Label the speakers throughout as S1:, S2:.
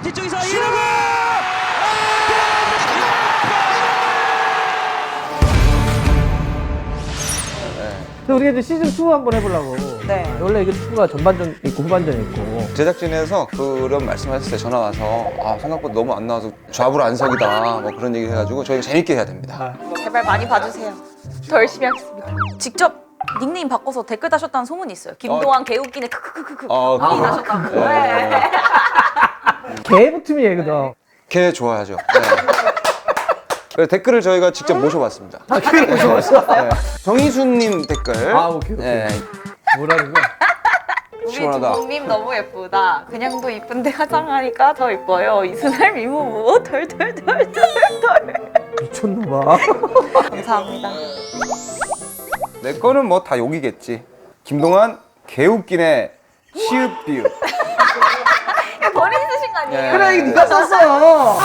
S1: 뒤쪽에서 이러고
S2: 우리가 이제 시즌 2 한번 해보려고.
S3: 네.
S2: 원래 이게 축구가 전반전 있고 후반전 있고.
S4: 제작진에서 그런 말씀하셨어요. 전화 와서 생각보다 너무 안 나와서 좌불 안석이다 뭐 그런 얘기 해가지고 저희가 재밌게 해야 됩니다.
S3: 제발 많이 봐주세요. 더 열심히 하겠습니다. 직접 닉네임 바꿔서 댓글 다셨다는 소문이 있어요. 김동완 개웃기네 크크크크크 다셨다고. 네.
S2: 개부팀이 얘거든.
S4: 걔 좋아하죠. 네. 그래서 댓글을 저희가 직접 모셔봤습니다.
S2: 그래 무서웠어.
S4: 네. 정희수님 댓글.
S2: 오케이.
S4: 네.
S2: 뭐라는 거야?
S3: 우리
S4: 시원하다.
S3: 두목님 너무 예쁘다. 그냥도 이쁜데 화장하니까 더 예뻐요. 이순할 미모모 덜덜덜덜덜.
S2: 미쳤나봐.
S3: 감사합니다.
S4: 내 거는 뭐 다 욕이겠지. 김동완 개웃기네 시읒비읒.
S3: 머리 쓰신 거 아니에요?
S2: 그래 이거 네가 썼어.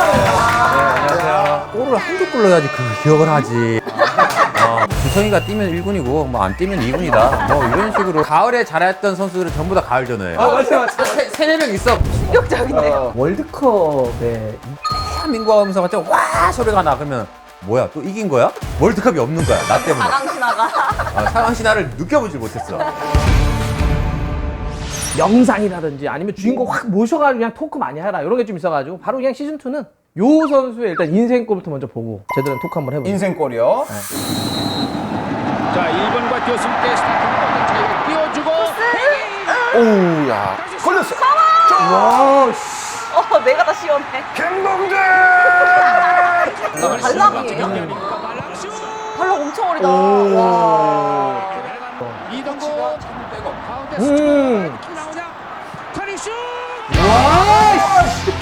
S5: 골을 한개 골 넣어야지 그 기억을 하지. 주성이가 뛰면 1군이고 뭐 안 뛰면 2군이다. 뭐 이런 식으로 가을에 잘했던 선수들은 전부 다 가을전에.
S2: 맞아.
S5: 세네 명 있어.
S3: 충격적인데요.
S2: 월드컵에
S5: 대한민국 하면서 갑자기 와 소리가 나. 그러면 뭐야 또 이긴 거야? 월드컵이 없는 거야 나 때문에.
S3: 강신하가.
S5: 상황 신화를 느껴보질 못했어.
S2: 영상이라든지 아니면 주인공 확 모셔가지고 그냥 토크 많이 해라 이런 게 좀 있어가지고 바로 그냥 시즌 2는 요 선수의 일단 인생골부터 먼저 보고 제대로 토크 한번 해보자.
S4: 인생골이요.
S1: 자 1번과 교수님께 스타트를 자유를 띄워주고
S4: 오우 야 걸렸어.
S2: 와, 씨.
S3: 내가 다 시원해.
S4: 김동재.
S3: 발락이에요? 발락 엄청 어리다.
S2: 오.
S3: 와.
S1: 이동국 가운데
S2: 음.
S1: 킥 나오냐 커닝슛
S2: 와, 씨.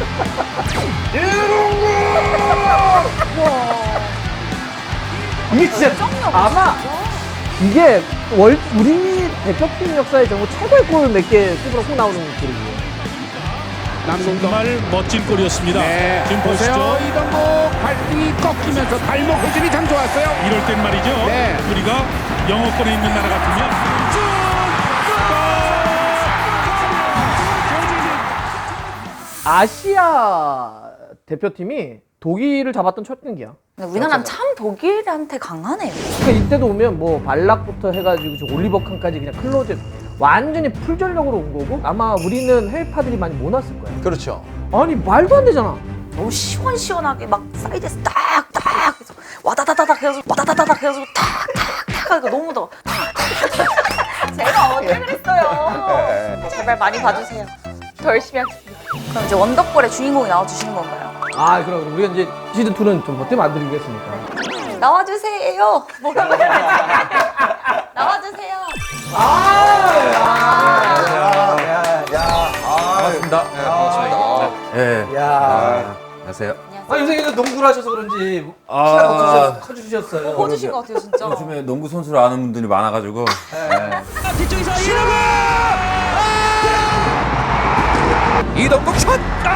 S2: 이게 진짜 아마 이게 우리 대표팀 역사에 정말 최고의 골 몇 개 씹으러 훅 나오는 골이에요.
S6: 정말 멋진 골이었습니다. 지금 보세요. 이동국 발등이 꺾이면서 발목 회전이 참 좋았어요. 이럴 땐 말이죠. 우리가 영어권에 있는 나라 같으면
S2: 아시아 대표팀이 독일을 잡았던 첫 경기야.
S3: 우리나라는 참 독일한테 강하네요.
S2: 그러니까 이때도 오면 뭐 발락부터 해가지고 저 올리버 칸까지 그냥 클로즈 완전히 풀전력으로 온 거고 아마 우리는 해외파들이 많이 못 왔을 거야.
S4: 그렇죠.
S2: 아니 말도 안 되잖아.
S3: 너무 시원시원하게 막 사이드에서 딱딱 해서 와다다다닥 해가지고 와다다다닥 해가지고 탁탁탁 하니까 너무 더워. 제가 언제 그랬어요. 제발 많이 봐주세요. 더 열심히 하겠습니다. 그럼 이제 원더골의 주인공이 나와주시는 건가요?
S2: 그럼 우리가 이제 시즌 2는 좀 어때 만들겠습니까?
S3: 나와주세요. 뭐라고 해야 되지? 나와주세요.
S5: 반갑습니다.
S4: 반갑습니다.
S5: 예.
S2: 야.
S5: 안녕하세요.
S2: 요새 이제 농구를 하셔서 그런지 커주셨어요.
S3: 퍼주신 것 같아요 진짜.
S5: 요즘에 농구 선수를 아는 분들이 많아가지고.
S1: 뒤쪽에서 이러고
S5: 이동국 슛!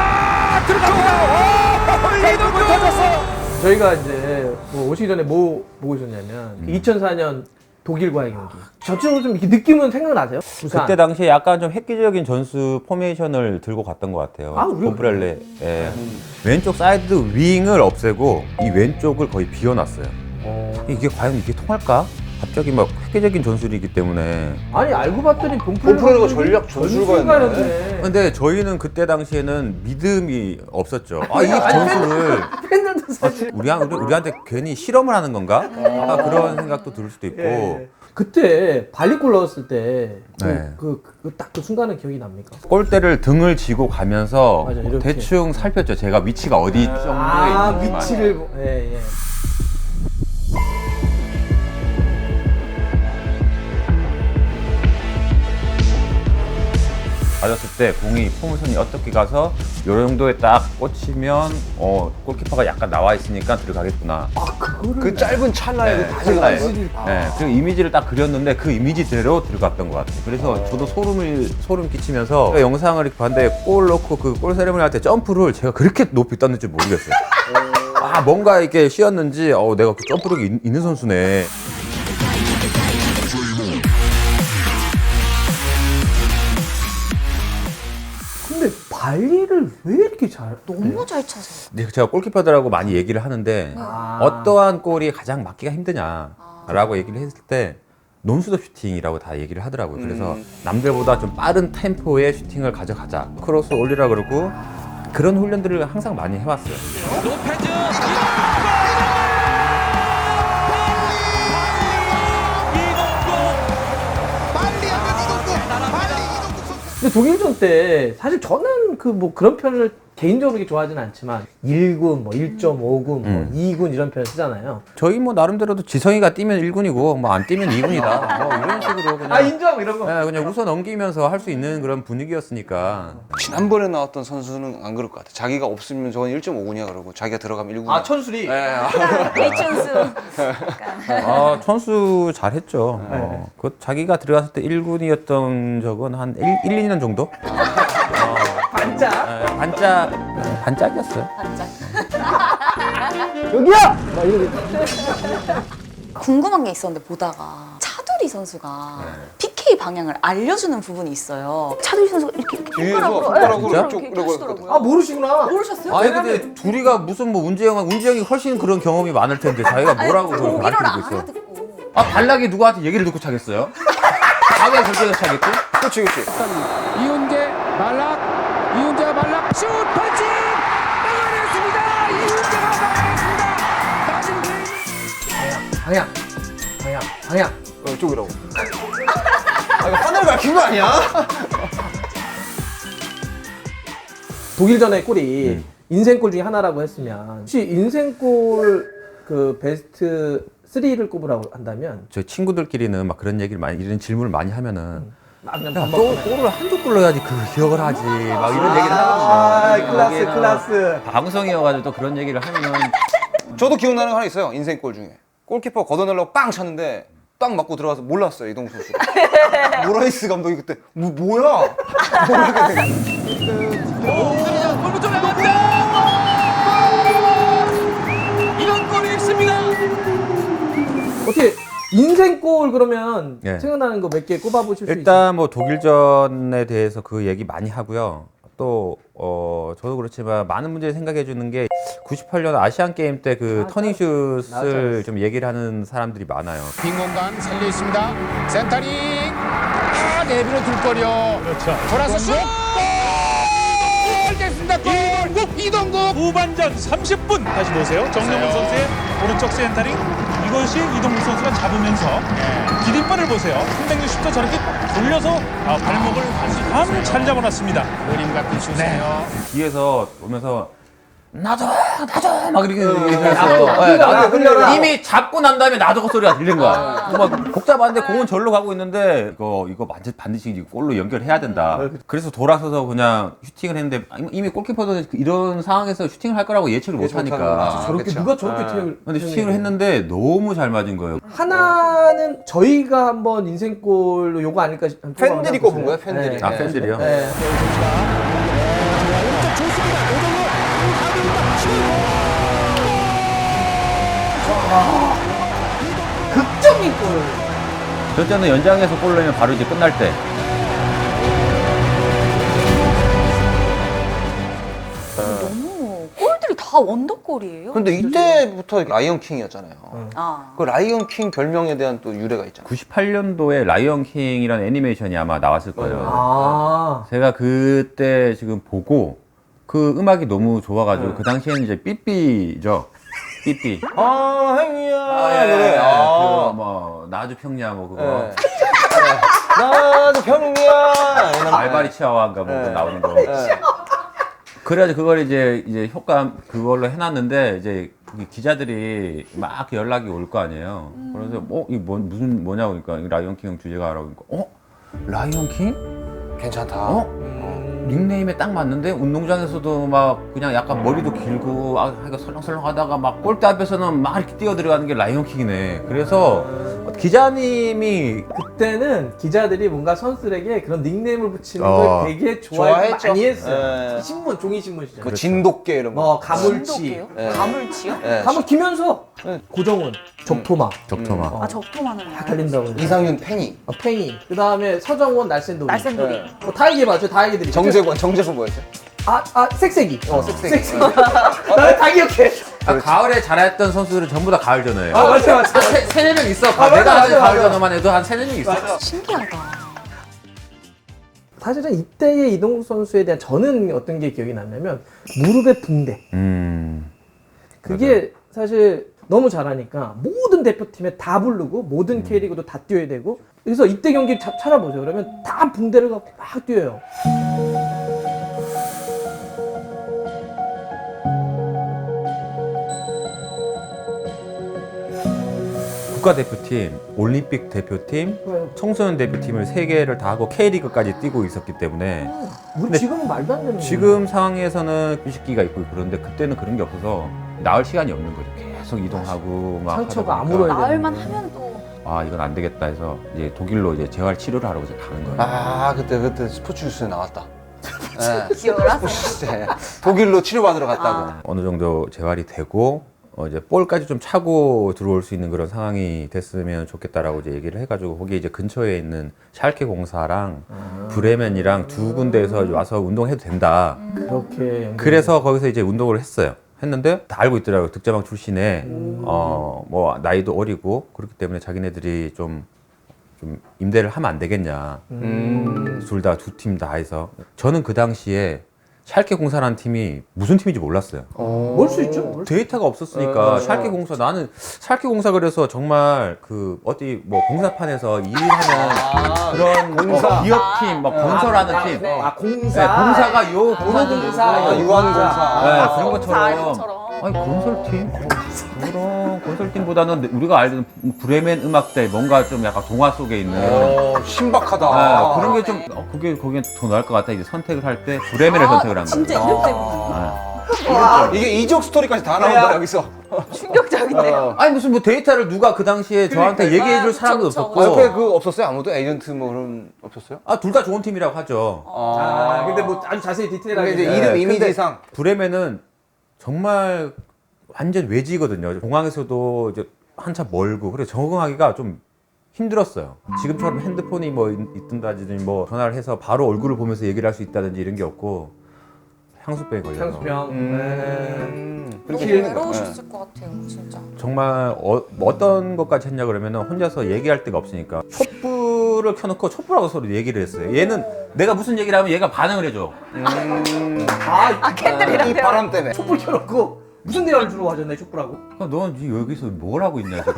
S5: 들어갑니다. 이동국 터졌어.
S2: 저희가 이제 뭐 오시기 전에 뭐 보고 있었냐면 2004년 독일과의 경기. 전체적으로 좀 이렇게 느낌은 생각나세요? 부산.
S5: 그때 당시에 약간 좀 획기적인 전술 포메이션을 들고 갔던 것 같아요.
S2: 그래요?
S5: 봄브렐레. 예. 왼쪽 사이드 윙을 없애고 이 왼쪽을 거의 비워놨어요. 이게 과연 이게 통할까? 갑자기 막 획기적인 전술이기 때문에.
S2: 아니 알고 봤더니
S4: 봄프로가 전략 전술가였네.
S5: 근데 저희는 그때 당시에는 믿음이 없었죠. 이 전술을
S2: 팬들도 사실
S5: 우리한테 괜히 실험을 하는 건가? 그런 생각도 들 수도 있고.
S2: 예. 그때 발리골 넣었을 때
S5: 네.
S2: 딱 그 순간은 기억이 납니까?
S5: 골대를 등을 지고 가면서
S2: 맞아, 이렇게.
S5: 대충 살폈죠. 제가 위치가 어디 정도에 있는지만.
S2: 위치를 예.
S5: 맞았을 때 공이 포물선이 어떻게 가서 요 정도에 딱 꽂히면 골키퍼가 약간 나와 있으니까 들어가겠구나.
S4: 그 짧은 찰나에
S5: 네,
S4: 다
S5: 찰나에.
S4: 들어갔어.
S5: 네, 그 이미지를 딱 그렸는데 그 이미지대로 들어갔던 것 같아요. 그래서 저도 소름 끼치면서 그 영상을 이렇게 봤는데 골 넣고 그 골 세레머니 할 때 점프를 제가 그렇게 높이 떴는지 모르겠어요. 뭔가 이렇게 쉬었는지 내가 그 점프력이 있는 선수네.
S2: 근데 관리를 왜 이렇게 잘?
S3: 너무 잘 차세요.
S5: 근데 제가 골키퍼들하고 많이 얘기를 하는데 어떠한 골이 가장 맞기가 힘드냐라고 얘기를 했을 때 논스톱 슈팅이라고 다 얘기를 하더라고요. 그래서 남들보다 좀 빠른 템포의 슈팅을 가져가자. 크로스 올리라 그러고 그런 훈련들을 항상 많이 해왔어요.
S1: 로페즈
S2: 근데 독일전 때 사실 저는 그 뭐 그런 표현을 개인적으로 그렇게 좋아하지는 않지만 1군, 뭐 1.5군, 뭐 2군 이런 표현 쓰잖아요.
S5: 저희 뭐 나름대로도 지성이가 뛰면 1군이고 뭐 안 뛰면 2군이다. 뭐 이런 식으로 그냥
S2: 인정 이런 거.
S5: 그냥 웃어 넘기면서 할 수 있는 그런 분위기였으니까.
S4: 지난번에 나왔던 선수는 안 그럴 것 같아. 자기가 없으면 저건 1.5군이야 그러고 자기가 들어가면 1군.
S2: 천술이.
S3: H천수.
S5: 아, 천수 잘했죠. 그 자기가 들어갔을 때 1군이었던 적은 한 1, 2년 정도?
S2: 반짝.
S5: 반짝이었어요.
S2: 여기야. 막 이러고.
S3: 궁금한 게 있었는데 보다가 차두리 선수가 PK 방향을 알려주는 부분이 있어요. 차두리 선수가 이렇게
S4: 뒤에서
S3: 손가락으로
S4: 손가락으로
S5: 진짜?
S4: 이쪽
S3: 이렇게
S4: 이러고
S3: 하시더라고요.
S2: 아 모르시구나.
S3: 모르셨어요?
S5: 아니 근데 둘이가 무슨 뭐 운지 형이 훨씬 그런 경험이 많을 텐데 자기가 뭐라고 그걸
S3: 독일어를
S5: 가르치고 있어.
S3: 알아듣고.
S5: 아 발락이 누구한테 얘기를 듣고 차겠어요? 자기가 결정해서 차겠고?
S4: 그렇지 그렇지.
S1: 이훈재 말락 이훈재가 말락 슛 펀치 막아냈습니다. 이훈재가 막아냈습니다. 낮은 개인
S2: 방향.
S4: 이쪽이라고. 아 이거 하늘 가킨 거 아니야?
S2: 독일전의 골이 인생골 중에 하나라고 했으면 혹시 인생골 그 베스트 3를 꼽으라고 한다면
S5: 저 친구들끼리는 막 그런 얘기를 많이 이런 질문을 많이 하면은
S2: 그냥
S5: 야, 너 골을 한두 골 넣어야지 그 기억을 하지 막 이런 얘기를 하거든요.
S2: 클라스
S5: 거기에는
S2: 클라스.
S5: 방송이어가지고 또 그런 얘기를 하면은
S4: 저도 기억나는 거 하나 있어요. 인생골 중에 골키퍼 걷어내려고 빵 찼는데 빵 맞고 들어가서 몰랐어요 이동국 선수. 모라이스 감독이 그때 뭐야?
S1: 골부 좀 나갔다. 이런 골이 있습니다.
S2: 어떻게 인생골 그러면
S5: 예.
S2: 생각나는 거 몇 개 꼽아보실 수 있어요?
S5: 일단 뭐 독일전에 대해서 그 얘기 많이 하고요. 또 저도 그렇지만 많은 분들이 생각해 주는 게 98년 아시안 게임 때 그 터닝슛을 좀 얘기를 하는 사람들이 많아요.
S1: 빈 공간 살려 있습니다. 센터링 내비로 둘거려.
S6: 그렇죠.
S1: 돌아서 슛! 골 됐습니다. 골! 이동국!
S6: 후반전 30분 다시 보세요. 정명훈 선수의 오른쪽 센터링. 이것이 이동국 선수가 잡으면서 디딤발을 보세요. 360도 저렇게 돌려서 발목을 아주 잘 잡아놨습니다.
S1: 그림 같은 슛이에요.
S5: 뒤에서 오면서 나도 막 이렇게 얘기했어요.
S2: 흘려라.
S5: 이미 잡고 난 다음에 나도 소리가 들린 거야. 막 복잡한데 공은 절로 가고 있는데 이거 반드시 골로 연결해야 된다. 그래서 돌아서서 그냥 슈팅을 했는데 이미 골키퍼도 이런 상황에서 슈팅을 할 거라고 예측을 못 하니까.
S2: 저렇게
S4: 그쵸.
S2: 누가 저렇게 태을
S5: 근데 슈팅을 했는데 너무 잘 맞은 거예요.
S2: 하나는 저희가 한번 인생골로 요거 아닐까 싶
S4: 팬들이 꼽은 거예요, 팬들이.
S5: 아 팬들이요?
S2: 네. 극적인 골.
S5: 저 때는 연장에서 골 넣으면 바로 이제 끝날 때.
S3: 너무 골들이 다 원더골이에요.
S4: 근데 이때부터 라이언 킹이었잖아요.
S3: 아.
S4: 그 라이언 킹 별명에 대한 또 유래가 있잖아요.
S5: 98년도에 라이언 킹이라는 애니메이션이 아마 나왔을 거예요.
S2: 아.
S5: 제가 그때 지금 보고 그 음악이 너무 좋아가지고 그 당시에는 이제 삐삐죠. 삐삐.
S4: 아 행이야.
S5: 예.
S4: 아.
S5: 그뭐 나주 평야 뭐 그거.
S4: 나도 병이야.
S5: 알바리 치아와인가 뭐 그거 나오는 거.
S4: 네.
S5: 그래가지고 그걸 이제 효과 그걸로 해놨는데 이제 거기 기자들이 막 연락이 올 거 아니에요. 그래서 이게 무슨 뭐냐고 그러니까 이거 라이언 킹 주제가라고 그러니까 라이언 킹?
S4: 괜찮다.
S5: 닉네임에 딱 맞는데 운동장에서도 막 그냥 약간 머리도 길고 하기가 설렁설렁 하다가 막 골대 앞에서는 막 이렇게 뛰어 들어가는 게 라이언킹이네. 그래서 기자님이
S2: 그때는 기자들이 뭔가 선수들에게 그런 닉네임을 붙이는 걸 되게
S4: 좋아했죠.
S2: 많이 했어요.
S4: 네.
S2: 신문, 종이 신문 시절.
S4: 뭐 진돗개 이런 거.
S2: 뭐 가물치,
S3: 진돗개요?
S4: 네.
S3: 가물치요?
S4: 네.
S2: 가물 김현석, 고정훈, 적토마
S5: 적토마.
S3: 아 적토마는
S2: 다 달린다고.
S4: 이상윤 팽이.
S2: 팽이. 그 다음에 서정원, 날쌘돌이.
S3: 날쌘돌이.
S4: 네.
S2: 다 얘기해봐. 다 얘기들이.
S4: 정재권 뭐였죠?
S2: 색색이.
S4: 섹시.
S2: 나다 기억해.
S5: 가을에 잘했던 선수들은 전부 다 가을 전어예요.
S2: 맞아.
S5: 세네 명 있어.
S2: 맞아,
S5: 내가 아는
S2: 맞아,
S5: 가을
S2: 맞아.
S5: 전어만 해도 한 세네 명 있어.
S3: 신기하다.
S2: 사실은 이때의 이동국 선수에 대한 저는 어떤 게 기억이 나냐면 무릎의 붕대. 그게 사실 너무 잘하니까 모든 대표팀에 다 부르고 모든 K리그도 다 뛰어야 되고 그래서 이때 경기 찾아보세요. 그러면 다 붕대를 갖고 막 뛰어요.
S5: 국가대표팀, 올림픽 대표팀, 청소년 대표팀을 3개를 다 하고 K리그까지 뛰고 있었기 때문에
S2: 우리
S5: 근데
S2: 지금은 말도 안 되는
S5: 지금 상황에서는 휴식기가 있고 그런데 그때는 그런 게 없어서 나을 시간이 없는 거죠. 계속 이동하고 막
S2: 상처가
S5: 하다 보니까
S2: 아물어야
S3: 나을만 하면 또
S5: 이건 안 되겠다 해서 이제 독일로 이제 재활 치료를 하러 이제 가는 거예요.
S4: 아 그때 스포츠 뉴스에 나왔다. 네.
S3: 기억을 하세요.
S4: 스포츠 뉴스에 독일로 치료받으러 갔다고.
S5: 어느 정도 재활이 되고 이제 볼까지 좀 차고 들어올 수 있는 그런 상황이 됐으면 좋겠다라고 이제 얘기를 해가지고 거기 이제 근처에 있는 샬케 공사랑 브레멘이랑 두 군데에서 와서 운동해도 된다.
S2: 그렇게
S5: 그래서 거기서 이제 운동을 했는데 다 알고 있더라고요. 득점왕 출신에 뭐 나이도 어리고 그렇기 때문에 자기네들이 좀 임대를 하면 안 되겠냐. 둘 다 두 팀 다 해서 저는 그 당시에 샬케 공사라는 팀이 무슨 팀인지 몰랐어요.
S2: 뭘 수 있죠?
S5: 데이터가 없었으니까 샬케 공사 나는 샬케 공사 그래서 정말 그 어디 뭐 공사판에서 일하는 그런
S4: 공사.
S5: 기업팀 막 건설하는 팀
S2: 공사.
S5: 네, 공사가 요
S2: 공사,
S4: 유한공사.
S5: 네, 그런
S3: 이런
S5: 것처럼
S3: 것처럼.
S5: 아니 건설팀? 그럼 건설팀보다는 우리가 알던 브레멘 음악대 뭔가 좀 약간 동화 속에 있는
S4: 신박하다.
S5: 그런 게 좀 그게 거기에 더 나을 것 같다 이제 선택을 할 때 브레멘을 선택을 한 거예요.
S3: 진짜 이름 때문에.
S4: 이게 이적 스토리까지 다 나온다 여기서.
S3: 충격적인데요.
S5: 아니 무슨 뭐 데이터를 누가 그 당시에 저한테 얘기해줄 사람도
S3: 그쵸,
S5: 없었고
S4: 옆에 그 없었어요? 아무도 에이전트 뭐 그런 없었어요?
S5: 둘 다 좋은 팀이라고 하죠.
S2: 근데 뭐 아주 자세히 디테일하게.
S4: 근데 이제
S5: 네,
S4: 이름
S5: 근데
S4: 이미지상
S5: 브레멘은 정말 완전 외지거든요. 공항에서도 이제 한참 멀고 그래서 적응하기가 좀 힘들었어요. 지금처럼 핸드폰이 뭐 있든다든지 뭐 전화를 해서 바로 얼굴을 보면서 얘기를 할 수 있다든지 이런 게 없고 향수병에 걸려서
S2: 향수병.
S3: 너무 외로우셨을 것 같아요, 진짜.
S5: 정말 어떤 것까지 했냐 그러면은 혼자서 얘기할 데가 없으니까 촛불을 켜놓고 촛불하고 서로 얘기를 했어요. 얘는 내가 무슨 얘기를 하면 얘가 반응을 해줘.
S3: 캔들이랑
S4: 이 바람 때문에.
S2: 촛불 켜놓고 무슨 대화를 주로 하셨나요, 촛불하고?
S5: 넌 지금 여기서 뭘 하고 있냐 지금.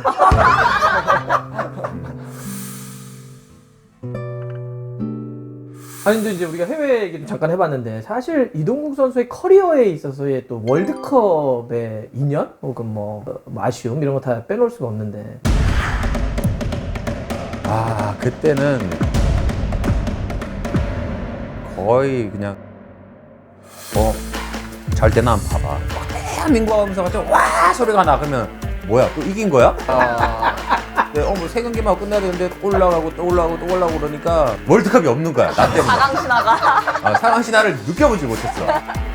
S2: 아니 근데 이제 우리가 해외 얘기도 잠깐 해봤는데 사실 이동국 선수의 커리어에 있어서의 또 월드컵의 인연 혹은 뭐 아쉬움 이런 거 다 빼놓을 수가 없는데
S5: 그때는 거의 그냥 잘 때나 한번 봐봐. 막 대한민국 하면서 갑자기 와 소리가 나. 그러면 뭐야 또 이긴 거야? 네, 뭐 3경기만 하고 끝내야 되는데 올라가고 또 올라가고 또 올라가고 그러니까 월드컵이 없는 거야 나 때문에.
S3: 사강 신화가.
S5: 상황 신화를 느껴보지 못했어.